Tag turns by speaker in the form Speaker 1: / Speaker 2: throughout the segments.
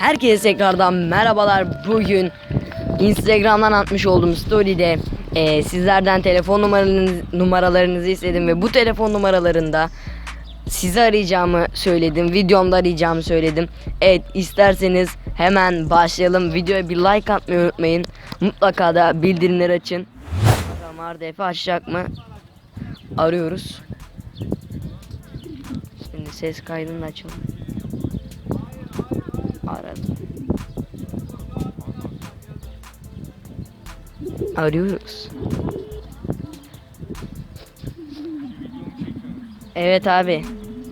Speaker 1: Herkese tekrardan merhabalar. Bugün Instagram'dan atmış olduğum story'de sizlerden telefon numaralarınızı istedim ve bu telefon numaralarında sizi arayacağımı söyledim. Videomda arayacağımı söyledim. Evet, isterseniz hemen başlayalım. Videoya bir like atmayı unutmayın. Mutlaka da bildirimleri açın. Bakalım RDF açacak mı? Arıyoruz. Şimdi ses kaydını da açalım. Aradım. Arıyoruz. Evet abi.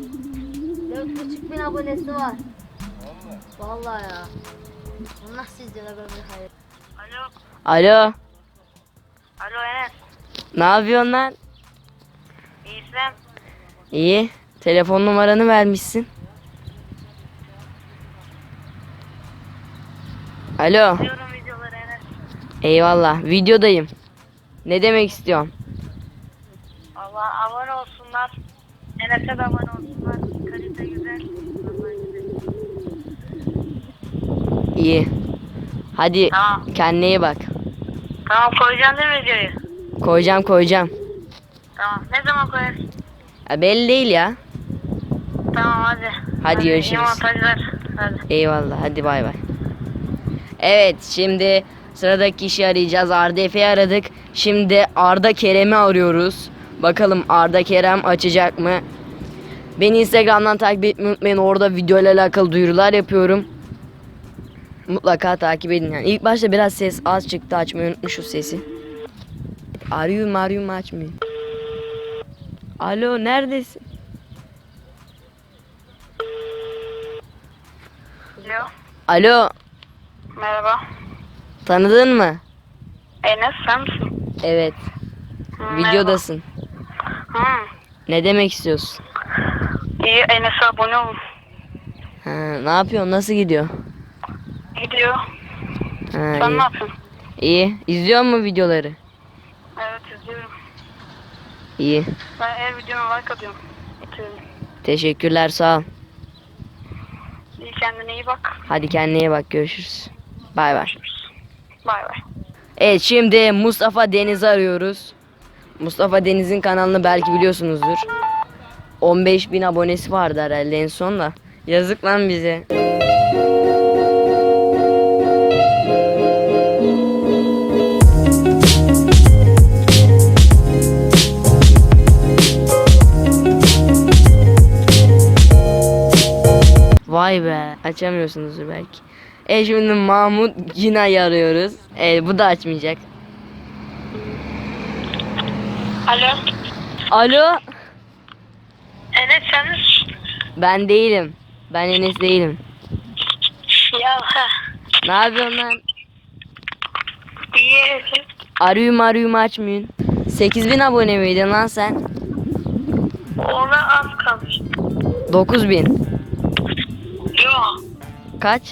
Speaker 2: 4.500 abonesi var. Vallahi ya. Allah sizlere böyle hayır.
Speaker 3: Alo.
Speaker 1: Alo.
Speaker 3: Alo Enes.
Speaker 1: Ne yapıyorsun lan?
Speaker 3: İyisem.
Speaker 1: İyi. Telefon numaranı vermişsin. Alo.
Speaker 3: Diyorum videoları Enes.
Speaker 1: Eyvallah. Videodayım. Ne demek istiyorsun?
Speaker 3: Allah abone olsunlar. Enes'e de abone olsunlar. Kalite güzel. Vallahi güzel.
Speaker 1: İyi. Hadi
Speaker 3: Tamam.
Speaker 1: kendine iyi bak.
Speaker 3: Tamam, koyacaksın değil mi videoyu?
Speaker 1: Koyacağım.
Speaker 3: Tamam. Ne zaman koyarsın?
Speaker 1: Ya belli değil ya.
Speaker 3: Tamam hadi.
Speaker 1: Hadi görüşürüz.
Speaker 3: İyi montajlar. Hadi.
Speaker 1: Eyvallah. Hadi bay bay. Evet, şimdi sıradaki kişi arayacağız. RDF'yi aradık. Şimdi Arda Kerem'i arıyoruz. Bakalım Arda Kerem açacak mı? Beni Instagram'dan takip etmeyi unutmayın. Orada video ile alakalı duyurular yapıyorum. Mutlaka takip edin yani. İlk başta biraz ses az çıktı. Açmayı unutmuşuz sesi. Arıyorum açmıyor. Alo, neredesin?
Speaker 3: Alo.
Speaker 1: Alo,
Speaker 3: Merhaba.
Speaker 1: tanıdın mı?
Speaker 3: Enes sen misin?
Speaker 1: Evet. Videodasın.
Speaker 3: Hı.
Speaker 1: Ne demek istiyorsun?
Speaker 3: İyi, Enes'e abone olun.
Speaker 1: Ha, ne yapıyorsun? Nasıl gidiyor?
Speaker 3: Gidiyor.
Speaker 1: Ha,
Speaker 3: Sen
Speaker 1: iyi.
Speaker 3: ne yapıyorsun?
Speaker 1: İyi. İzliyor musun videoları?
Speaker 3: Evet, izliyorum.
Speaker 1: İyi.
Speaker 3: Ben her videoma like atıyorum.
Speaker 1: Teşekkürler, sağ ol.
Speaker 3: İyi, kendine iyi bak.
Speaker 1: Hadi kendine iyi bak, görüşürüz. Bay bay.
Speaker 3: Bay bay.
Speaker 1: Evet, şimdi Mustafa Deniz'i arıyoruz. Mustafa Deniz'in kanalını belki biliyorsunuzdur. 15.000 abonesi vardı herhalde en son da. Yazık lan bize. Vay be, açamıyorsunuzdur belki. Şimdi Mahmut Gina'yı arıyoruz. Bu da açmayacak.
Speaker 3: Alo.
Speaker 1: Alo,
Speaker 3: Enes sen misin?
Speaker 1: ben değilim. Ben Enes değilim.
Speaker 3: Ya ha.
Speaker 1: Ne yapıyorsun lan?
Speaker 3: İyi.
Speaker 1: Arıyorum açmıyorsun. 8.000 abone miydin lan sen?
Speaker 3: Ona az kalmış.
Speaker 1: 9.000.
Speaker 3: Yok.
Speaker 1: Kaç?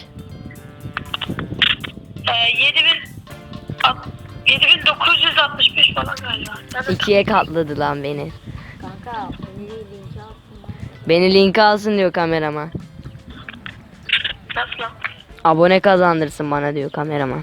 Speaker 3: 7965 falan galiba.
Speaker 1: İkiye katladı lan beni.
Speaker 2: Kanka beni linki atsın.
Speaker 1: Beni linke alsın diyor kameraman.
Speaker 3: Nasıl lan?
Speaker 1: Abone kazandırsın bana diyor kameraman.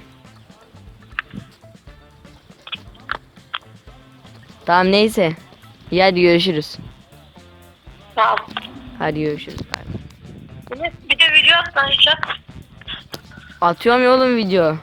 Speaker 1: Tamam, neyse. İyi, hadi görüşürüz.
Speaker 3: Tamam.
Speaker 1: Hadi görüşürüz. Bay bay.
Speaker 3: Bir de video at lan hiç at.
Speaker 1: Atıyorum ya oğlum video.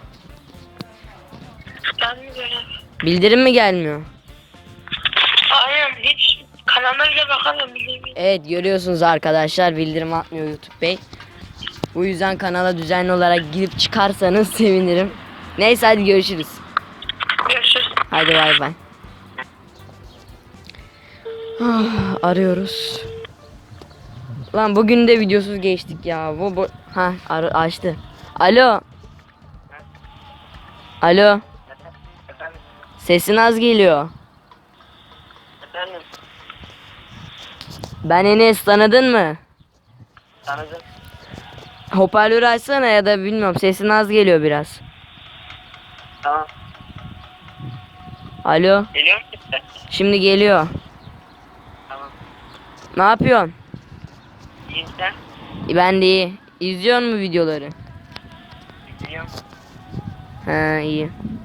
Speaker 3: Gelmiyor ya.
Speaker 1: Bildirim mi gelmiyor?
Speaker 3: Aynen, hiç kanalına bile bakamıyorum bildiğim.
Speaker 1: Evet, görüyorsunuz arkadaşlar, bildirim atmıyor YouTube Bey. Bu yüzden kanala düzenli olarak girip çıkarsanız sevinirim. Neyse, hadi görüşürüz.
Speaker 3: Görüşürüz.
Speaker 1: Hadi bay bay. Arıyoruz. Lan bugün de videosuz geçtik ya. Açtı. Alo. Alo.
Speaker 3: Efendim?
Speaker 1: Sesin az geliyor.
Speaker 3: Efendim?
Speaker 1: Ben Enes, tanıdın mı?
Speaker 3: Tanıdım.
Speaker 1: Hoparlörü açsana, ya da bilmiyorum, sesin az geliyor biraz.
Speaker 3: Tamam.
Speaker 1: Alo.
Speaker 3: Geliyor musun sen?
Speaker 1: Şimdi geliyor.
Speaker 3: Tamam.
Speaker 1: Ne yapıyorsun?
Speaker 3: İyi sen?
Speaker 1: Ben de iyi. İzliyor musun videoları?
Speaker 3: Biliyorum.
Speaker 1: Ha iyi.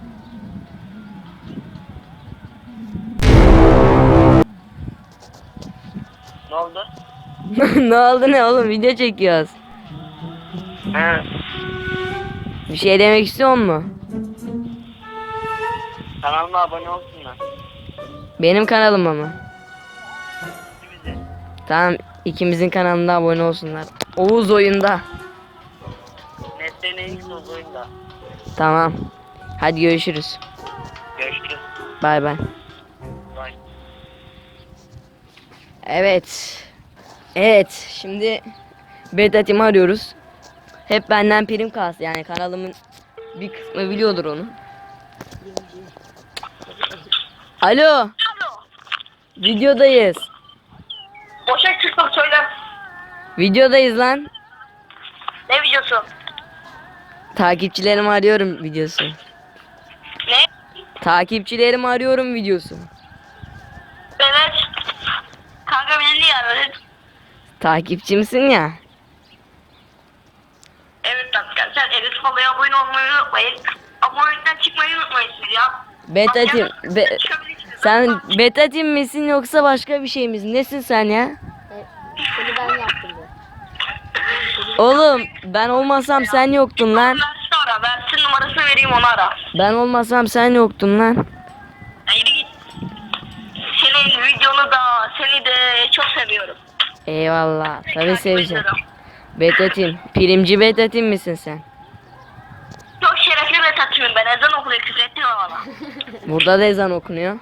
Speaker 3: Ne oldu?
Speaker 1: Ne oldu ne oğlum, video çekiyoruz.
Speaker 3: He.
Speaker 1: Bir şey demek istiyor musun?
Speaker 3: Kanalıma abone olsunlar.
Speaker 1: Benim kanalıma mı?
Speaker 3: Bize.
Speaker 1: Tamam, ikimizin kanalına abone olsunlar. Oğuz oyunda.
Speaker 3: Netlerin ilk oyunda.
Speaker 1: Tamam. Hadi görüşürüz.
Speaker 3: Görüşürüz.
Speaker 1: Bay bay.
Speaker 3: Bye.
Speaker 1: Evet. Evet, şimdi Beta Team'i arıyoruz. Hep benden prim kalsın, yani kanalımın bir kısmı biliyordur onu. Alo,
Speaker 3: Alo.
Speaker 1: videodayız.
Speaker 3: Boşa çıktım söyle.
Speaker 1: Videodayız lan.
Speaker 3: Ne videosu?
Speaker 1: Takipçilerimi arıyorum videosu.
Speaker 3: Ne?
Speaker 1: Takipçilerimi arıyorum videosu.
Speaker 3: Evet. Kanka beni niye aradın?
Speaker 1: Takipçimsin ya.
Speaker 3: Evet kanka sen Enes Fala'ya abone olmayı unutmayın. Abonelikten çıkmayı unutmayın siz ya.
Speaker 1: Beta
Speaker 3: Bak,
Speaker 1: Team.
Speaker 3: yanınızda çıkabilirsiniz.
Speaker 1: Sen
Speaker 3: Bak,
Speaker 1: Beta Team misin yoksa başka bir şey misin? Nesin sen ya?
Speaker 2: Seni ben yaptım bu.
Speaker 1: Oğlum ben olmasam sen yoktun lan.
Speaker 3: Versin ara. Versin numarasını vereyim onu ara.
Speaker 1: Ben olmasam sen yoktun lan.
Speaker 3: Haydi git. Senin videonu da seni de çok seviyorum.
Speaker 1: Eyvallah. Tabii
Speaker 3: Takip
Speaker 1: seveceğim.
Speaker 3: ediyorum.
Speaker 1: Beta Team. Primci Beta Team misin sen?
Speaker 3: Çok şerefli bir tatımım ben. Ezan okunuyor küfür etmiyor bana.
Speaker 1: Burada da ezan okunuyor.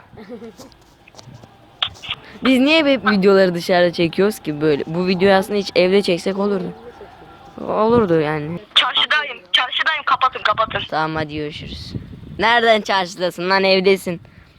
Speaker 1: Biz niye hep videoları dışarıda çekiyoruz ki böyle? Bu videoyu aslında hiç evde çeksek olurdu. Olurdu yani.
Speaker 3: Çarşıdayım. Çarşıdayım. Kapatın kapatın.
Speaker 1: Tamam hadi görüşürüz. Nereden çarşıdasın lan, evdesin.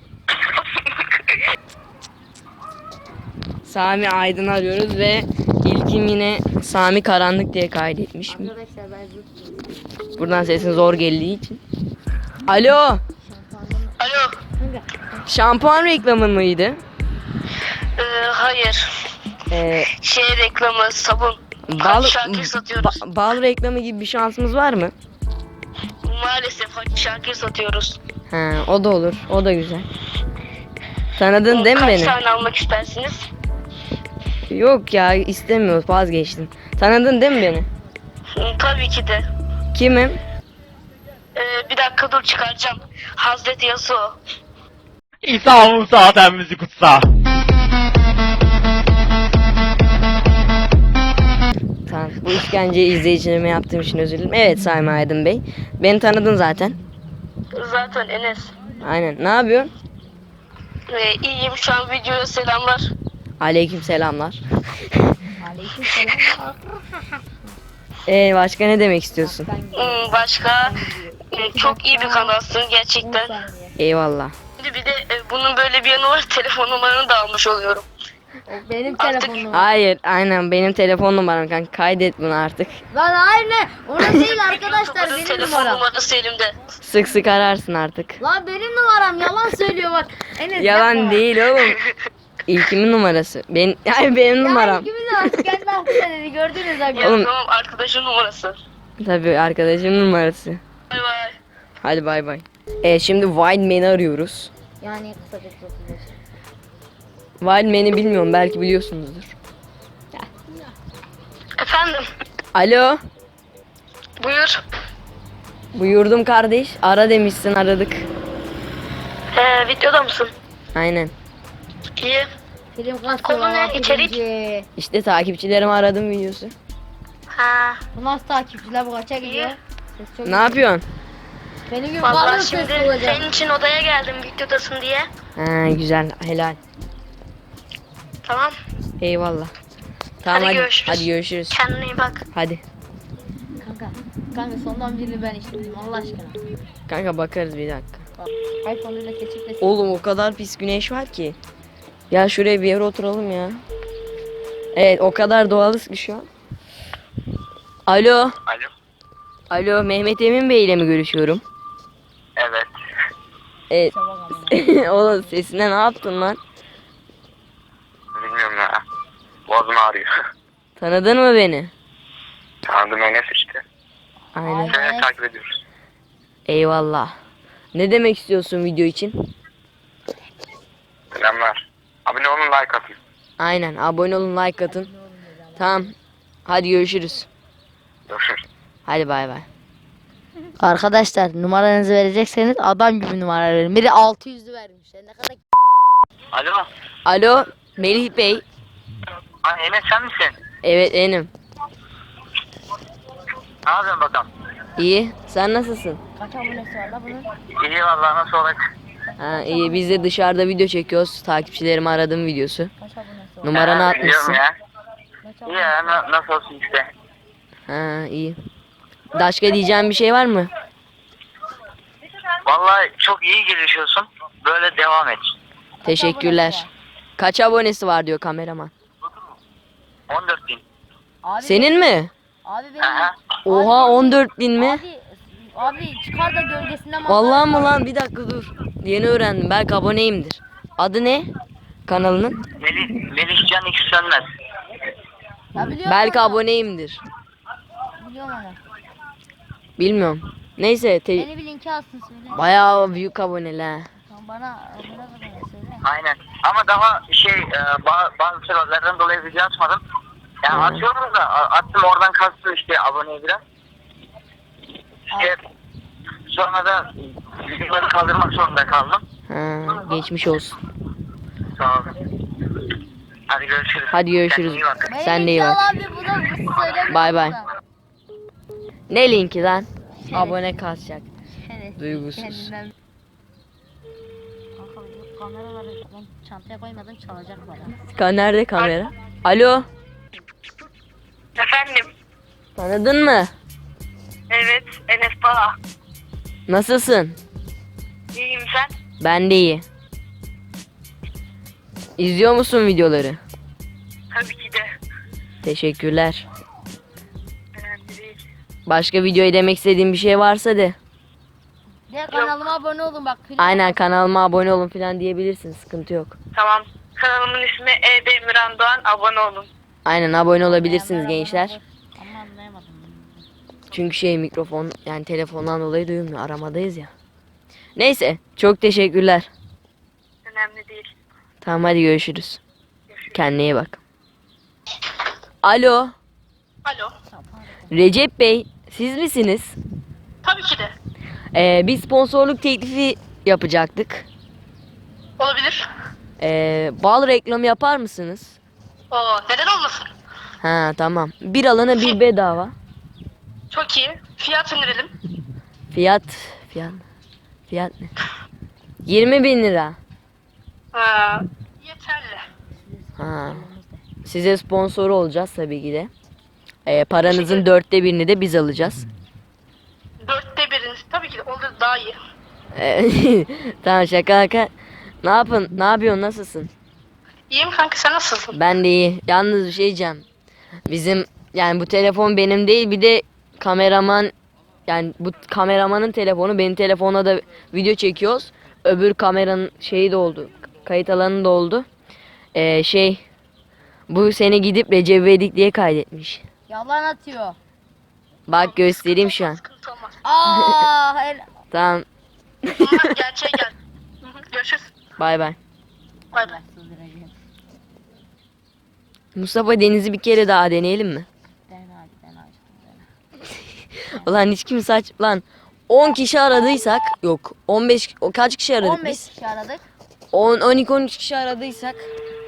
Speaker 1: Sami Aydın arıyoruz ve ilkim yine Sami Karanlık diye kaydetmiş.
Speaker 2: Arkadaşlar ben zıplıyorum.
Speaker 1: Buradan sesin zor geldiği için. Alo.
Speaker 3: Alo.
Speaker 2: Kanka.
Speaker 1: Şampuan reklamın mıydı?
Speaker 3: Hayır.
Speaker 1: Ee,
Speaker 3: Şey reklamı sabun.
Speaker 1: bal,
Speaker 3: Şakir satıyoruz.
Speaker 1: bal reklamı gibi bir şansımız var mı?
Speaker 3: Maalesef Şakir satıyoruz.
Speaker 1: Ha, o da olur. O da güzel. Tanıdın değil mi
Speaker 3: Kaç
Speaker 1: beni?
Speaker 3: tane almak istersiniz?
Speaker 1: Yok ya, istemiyoruz, vazgeçtim. Tanıdın değil mi beni?
Speaker 3: Tabii ki de.
Speaker 1: Kimim?
Speaker 3: Bir dakika dur çıkaracağım. Hazreti Yasuo.
Speaker 4: İsa Musa Ademimizi kutsa.
Speaker 1: Tamam. Bu işkenceyi izleyicilerime yaptığım için özür dilerim. Evet Sami Aydın Bey. Beni tanıdın zaten.
Speaker 3: Zaten Enes.
Speaker 1: Aynen. Ne yapıyorsun?
Speaker 3: İyiyim şu an videoya selamlar.
Speaker 1: Aleyküm selamlar.
Speaker 2: Aleykümselam.
Speaker 1: Başka ne demek istiyorsun?
Speaker 3: Başka çok iyi bir kanalsın gerçekten.
Speaker 1: Eyvallah.
Speaker 3: Şimdi bir de bunun böyle bir yanı var. Telefon numaranı da almış oluyorum.
Speaker 2: Benim
Speaker 3: Artık-
Speaker 2: telefonum.
Speaker 1: Hayır, aynen benim telefon numaram kanka. Kaydet bunu artık.
Speaker 2: Lan hayır ne? Orası değil arkadaşlar
Speaker 3: YouTuber'ın
Speaker 2: benim
Speaker 3: telefon
Speaker 2: numaram.
Speaker 3: numarası elimde.
Speaker 1: Sık sık ararsın artık.
Speaker 2: Lan benim numaram yalan söylüyor bak. Enes
Speaker 1: Yalan
Speaker 2: yapma.
Speaker 1: değil oğlum. İlkimin numarası. Hayır, benim numaram.
Speaker 2: Ya kimin numarası? Kendi aklına dedi gördünüz
Speaker 3: Ya
Speaker 2: abi.
Speaker 1: Oğlum-
Speaker 3: tamam arkadaşın numarası.
Speaker 1: Tabii arkadaşımın numarası.
Speaker 3: Bay bay.
Speaker 1: Hadi bay bay. Şimdi Wildman'i arıyoruz.
Speaker 2: Yani kısaca çok güzel.
Speaker 1: Wildman'i bilmiyorum, belki biliyorsunuzdur.
Speaker 3: Efendim
Speaker 1: Alo.
Speaker 3: buyur.
Speaker 1: Buyurdum kardeş. Ara demişsin, aradık.
Speaker 3: Videoda mısın?
Speaker 1: Aynen.
Speaker 3: İyi.
Speaker 2: Film
Speaker 3: Konu
Speaker 2: kasıyorlar.
Speaker 3: ne? İçerik?
Speaker 2: birinci.
Speaker 1: İşte takipçilerimi aradım videosu.
Speaker 3: Ha.
Speaker 2: Bu nasıl takipçiler bu kaça gidiyor? Ses çok
Speaker 1: Ne yapıyorsun?
Speaker 2: Benim gibi
Speaker 3: Vallahi
Speaker 2: bağırır
Speaker 3: şimdi
Speaker 2: ses olacak.
Speaker 3: senin için odaya geldim videodasın diye.
Speaker 1: Ha, güzel, helal.
Speaker 3: Tamam.
Speaker 1: Eyvallah. Tamam
Speaker 3: Hadi
Speaker 1: hadi.
Speaker 3: görüşürüz.
Speaker 1: Hadi görüşürüz.
Speaker 3: Kendine iyi bak.
Speaker 1: Hadi.
Speaker 2: Kanka sondan birini ben içtim Allah aşkına.
Speaker 1: Kanka bakarız bir dakika.
Speaker 2: Bak iPhone ile keçikle.
Speaker 1: Oğlum o kadar pis güneş var ki. Ya şuraya bir yere oturalım ya. Evet, o kadar doğalız ki şu an. Alo.
Speaker 3: Alo.
Speaker 1: Alo, Mehmet Emin Bey ile mi görüşüyorum?
Speaker 3: Evet.
Speaker 1: Evet. Oğlum sesine ne yaptın lan?
Speaker 3: Bilmiyorum ya. Boğazım ağrıyor.
Speaker 1: Tanıdın mı beni?
Speaker 3: Tanıdım Enes işte.
Speaker 1: Aynen.
Speaker 2: Aynen.
Speaker 3: takip ediyoruz.
Speaker 1: Eyvallah. Ne demek istiyorsun video için?
Speaker 3: Selamlar. Abone olun, like atın.
Speaker 1: Aynen. Abone olun, like atın. Tamam. Hadi görüşürüz.
Speaker 3: Görüşürüz.
Speaker 1: Hadi bay bay.
Speaker 2: Arkadaşlar numaranızı verecekseniz adam gibi numara verin. Biri 600'lü vermiş. Ne kadar
Speaker 3: Alo.
Speaker 1: Alo Melih Bey.
Speaker 3: Ha, Enes sen misin?
Speaker 1: Evet benim.
Speaker 3: Ne yapıyorsun bakalım?
Speaker 1: İyi. Sen nasılsın?
Speaker 2: kaç abonesi var la bunun?
Speaker 3: İyi vallahi, nasıl olacak?
Speaker 1: Ha, iyi. Biz de dışarıda video çekiyoruz. Takipçilerimi aradığım videosu.
Speaker 2: Kaç abonesi var?
Speaker 1: Numaranı
Speaker 3: Ha,
Speaker 1: atmışsın.
Speaker 3: biliyorum ya.
Speaker 2: Kaç
Speaker 3: İyi
Speaker 2: abonesi
Speaker 3: ya, nasıl olsun işte.
Speaker 1: Ha, iyi. Başka diyeceğim bir şey var mı?
Speaker 3: Vallahi çok iyi gelişiyorsun. Böyle devam et.
Speaker 1: Teşekkürler. Kaç abonesi var diyor kameraman.
Speaker 3: 14.000.
Speaker 2: Abi
Speaker 1: Senin mi?
Speaker 2: Abi benim.
Speaker 3: Aha.
Speaker 1: Oha 14.000 mi?
Speaker 2: Abi çıkar da gölgesinden
Speaker 1: Vallahi mı lan? Bir dakika dur. Yeni öğrendim. Belki aboneyimdir. Adı ne? Kanalının?
Speaker 3: Melihcan X Sönmez.
Speaker 2: Ya biliyorum
Speaker 1: Belki
Speaker 2: onu.
Speaker 1: aboneyimdir.
Speaker 2: Biliyorum onu.
Speaker 1: Bilmiyorum. Neyse.
Speaker 2: Beni bir linki alsın söyle.
Speaker 1: Bayağı büyük aboneler.
Speaker 2: Tamam, bana söyle.
Speaker 3: Aynen. Ama daha bazı sebeplerden dolayı video atmadım. Yani atıyorum da attım, oradan kastı işte aboneye biraz. İşte sonra da videoları kaldırmak zorunda kaldım.
Speaker 1: Ha, geçmiş olsun.
Speaker 3: Sağ olun. Hadi görüşürüz.
Speaker 1: Hadi görüşürüz.
Speaker 3: Kendine iyi bak.
Speaker 2: Beni
Speaker 1: Sen de iyi
Speaker 2: linki
Speaker 1: bak.
Speaker 2: al abi, bunu söyle.
Speaker 1: Bay bay. Ne linki lan? Abone kasacak.
Speaker 2: Evet.
Speaker 1: Duygusuz.
Speaker 2: Kendinden. Kanka bu kameraları ben çantaya koymadım, çalacak bana.
Speaker 1: Nerede kamera? Alo.
Speaker 3: Efendim.
Speaker 1: Tanıdın mı?
Speaker 3: Evet. Enes Bala.
Speaker 1: Nasılsın?
Speaker 3: İyiyim sen?
Speaker 1: Ben de iyi. İzliyor musun videoları?
Speaker 3: Tabii ki de.
Speaker 1: Teşekkürler.
Speaker 3: Önemli değil.
Speaker 1: Başka videoya demek istediğin bir şey varsa de.
Speaker 2: Diğer kanalıma abone olun bak.
Speaker 1: Aynen kanalıma abone olun falan diyebilirsin. Sıkıntı yok.
Speaker 3: Tamam. Kanalımın ismi Emirhan Doğan. Abone olun.
Speaker 1: Aynen abone olabilirsiniz gençler.
Speaker 2: Ama anlayamadım.
Speaker 1: Çünkü mikrofon yani telefondan dolayı duyulmuyor. Aramadayız ya. Neyse çok teşekkürler.
Speaker 3: Önemli değil.
Speaker 1: Tamam hadi görüşürüz. Kendine iyi bak. Alo.
Speaker 3: Alo.
Speaker 1: Recep Bey siz misiniz?
Speaker 3: Tabii ki de.
Speaker 1: Bir sponsorluk teklifi yapacaktık.
Speaker 3: Olabilir.
Speaker 1: Bal reklamı yapar mısınız?
Speaker 3: Neden olmasın?
Speaker 1: Ha tamam. Bir alana bir bedava.
Speaker 3: Çok iyi. Fiyat indirelim.
Speaker 1: Fiyat ne? 20.000 lira.
Speaker 3: Yeterli.
Speaker 1: Ha. Size sponsor olacağız tabii ki de. Paranızın 1/4'ini de biz alacağız.
Speaker 3: 1/4. Tabii ki de olur, daha iyi.
Speaker 1: Tamam şaka. Ne yapıyorsun? Nasılsın?
Speaker 3: İyiyim kanka, sen nasılsın?
Speaker 1: Ben de iyi. Yalnız bir şey diyeceğim. Bizim yani bu telefon benim değil, bir de kameraman yani bu kameramanın telefonu, benim telefonla da video çekiyoruz. Öbür kameranın şeyi de oldu. Kayıt alanı da oldu. Bu seni gidip Recep İvedik diye kaydetmiş.
Speaker 2: Yalan atıyor.
Speaker 1: Bak göstereyim şu an.
Speaker 3: Sıkıntı olmaz.
Speaker 2: Hayır.
Speaker 1: Tamam.
Speaker 3: Gerçeğe gel. Görüşürüz.
Speaker 1: Bay bay.
Speaker 3: Bay bay.
Speaker 1: Mustafa Deniz'i bir kere daha deneyelim mi? Ulan hiç kimse lan 10 kişi aradıysak yok 15 kaç kişi aradık
Speaker 2: 15
Speaker 1: biz?
Speaker 2: kişi aradık.
Speaker 1: 12-13 kişi aradıysak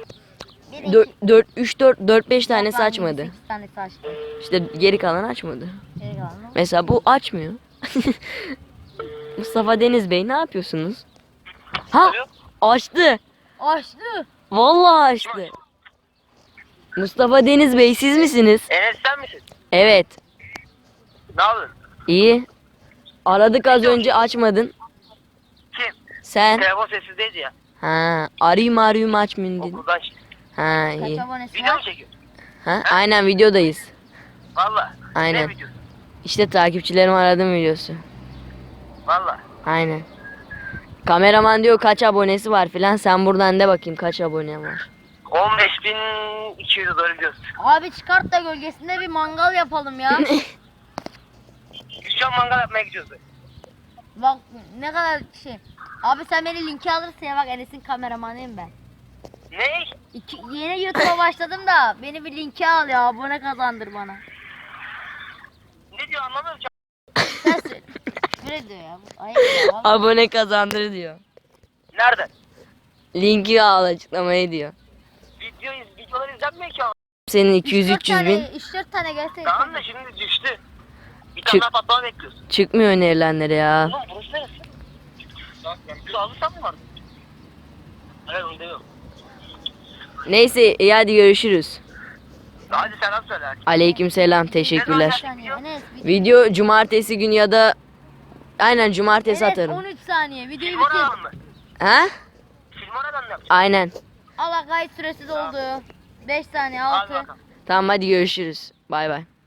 Speaker 1: 4-5 tane açmadı.
Speaker 2: 8 tane açtı.
Speaker 1: İşte geri kalan açmadı.
Speaker 2: Geri kalanı.
Speaker 1: Mesela bu açmıyor. Mustafa Deniz Bey ne yapıyorsunuz? Ha açtı.
Speaker 2: Açtı.
Speaker 1: Vallahi açtı. Mustafa Deniz Bey siz misiniz?
Speaker 3: Enes sen misin?
Speaker 1: Evet.
Speaker 3: Ne yapıyorsun?
Speaker 1: İyi. Aradık az önce açmadın.
Speaker 3: Kim?
Speaker 1: Sen?
Speaker 3: Telefon sessizdeydi ya.
Speaker 1: Ha, arayayım açmayın dedin.
Speaker 3: Okulda işte.
Speaker 1: Ha
Speaker 2: Kaç
Speaker 1: iyi.
Speaker 2: abonesi
Speaker 3: Video mu
Speaker 2: var?
Speaker 3: çekiyor?
Speaker 1: Ha, aynen videodayız.
Speaker 3: Valla.
Speaker 1: Aynen.
Speaker 3: Ne videosu?
Speaker 1: İşte takipçilerimi aradım videosu.
Speaker 3: Valla.
Speaker 1: Aynen. Kameraman diyor kaç abonesi var filan, sen buradan de bakayım kaç abone var.
Speaker 3: 15.200'e doğru gidiyoruz.
Speaker 2: Abi çıkart da gölgesinde bir mangal yapalım ya.
Speaker 3: mangal yapmaya gidiyoruz.
Speaker 2: Bak ne kadar şey. Abi sen beni linki alırsın ya, bak Enes'in kameramanıyım ben.
Speaker 3: Ne?
Speaker 2: Yeni YouTube'a başladım da beni bir linki al ya, abone kazandır bana.
Speaker 3: Ne diyor anlamıyorum.
Speaker 2: Sen söyle. Öyle diyor ya. Ayıp ya. vallahi.
Speaker 1: Abone kazandır diyor.
Speaker 3: Nerede?
Speaker 1: Linki al açıklamaya diyor.
Speaker 3: Videolar izlenmiyor ki ama.
Speaker 1: Senin
Speaker 2: 3-4
Speaker 1: 200-300 bin
Speaker 2: 3-4 tane gelse.
Speaker 3: Tamam da şimdi düştü. Bir
Speaker 1: Çık.
Speaker 3: tane daha patlama bekliyoruz.
Speaker 1: çıkmıyor önerilenlere ya.
Speaker 3: Oğlum burası neresi? Sağlıktan mı var? Evet onu diyor.
Speaker 1: Neyse iyi hadi görüşürüz.
Speaker 3: Hadi selam söyle.
Speaker 1: Aleykümselam teşekkürler.
Speaker 2: 13 saniye. Enes,
Speaker 1: Video cumartesi günü ya da aynen cumartesi
Speaker 2: Enes
Speaker 1: atarım.
Speaker 2: 13 saniye. Videoyu
Speaker 3: Film
Speaker 2: bitir.
Speaker 3: oradan mı?
Speaker 1: Ha?
Speaker 3: Film oradan mı yapacağız?
Speaker 1: Aynen.
Speaker 2: Allah, kayıt süresi doldu. 5 saniye
Speaker 3: Hadi
Speaker 2: 6.
Speaker 3: bakalım.
Speaker 1: Tamam hadi görüşürüz. Bay bay.